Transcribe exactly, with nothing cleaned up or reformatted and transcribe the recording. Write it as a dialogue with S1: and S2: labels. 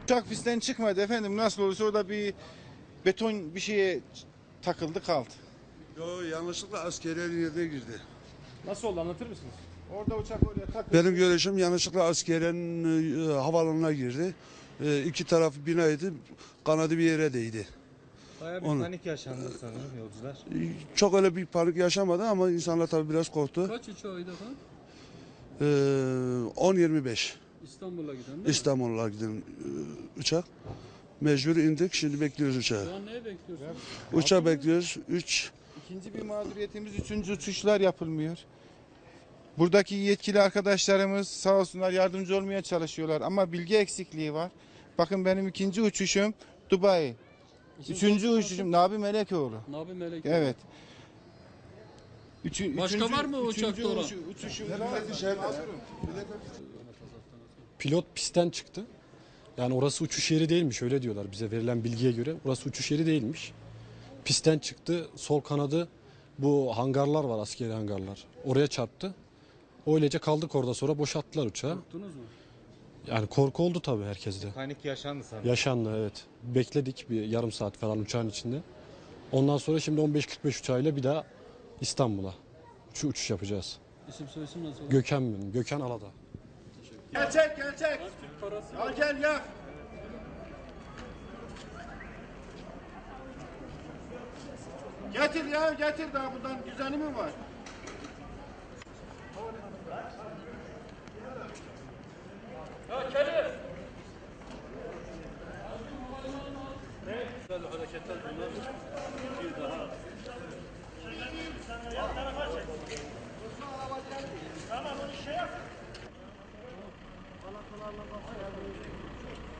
S1: Uçak pistten çıkmadı efendim. Nasıl olursa orada bir beton bir şeye takıldı kaldı.
S2: Yo, yanlışlıkla askeri yerine girdi.
S3: Nasıl oldu, anlatır mısınız?
S1: Orada uçak oraya takıldı.
S2: Benim görüşüm yanlışlıkla askeriyenin e, havaalanına girdi. E, iki tarafı binaydı, kanadı bir yere değdi.
S4: Bayağı bir
S2: Onu-
S4: panik yaşandı sanırım yolcular.
S2: E, Çok öyle bir panik yaşamadı ama insanlar tabii biraz korktu.
S5: Kaç uçağıydı efendim?
S2: E, on yirmi beş
S5: İstanbul'a giden değil mi?
S2: İstanbul'a giden e, uçak. Mecbur indik, şimdi bekliyoruz uçağı.
S5: Şu an neye bekliyorsunuz?
S2: Uçağı bekliyoruz. üç
S1: İkinci bir mağduriyetimiz üçüncü uçuşlar yapılmıyor. Buradaki yetkili arkadaşlarımız sağ olsunlar yardımcı olmaya çalışıyorlar ama bilgi eksikliği var. Bakın benim ikinci uçuşum Dubai.
S5: İsim
S1: Üçüncü
S5: soyisim
S1: uçuşum Nabi Melekoğlu.
S5: nasıl? Nabi Melek.
S1: Evet. Üçü,
S5: Başka
S1: üçüncü-
S5: var mı o
S1: üçüncü
S5: uçakta olan?
S1: uçu- uçuşum.
S3: Pilot pistten çıktı. Yani orası uçuş yeri değilmiş, öyle diyorlar bize verilen bilgiye göre. Orası uçuş yeri değilmiş. Pistten çıktı, sol kanadı bu hangarlar var, askeri hangarlar. Oraya çarptı. Öylece kaldık orada, sonra boşalttılar uçağı.
S5: Korktunuz mu?
S3: Yani korku oldu tabii herkeste.
S4: Panik yaşandı sanırım.
S3: Yaşandı, evet. Bekledik bir yarım saat falan uçağın içinde. Ondan sonra şimdi on beş kırk beş uçağıyla bir daha İstanbul'a şu uçuş yapacağız.
S5: İsim soyisim nasıl?
S3: Gökhan benim, Gökhan Aladağ.
S1: Gerçek gerçek.
S5: Parası
S1: Al gel gel. Getir ya getir daha bundan düzeni mi var?
S5: hareketler bunlar bir daha.
S1: Tamam onu şey yap.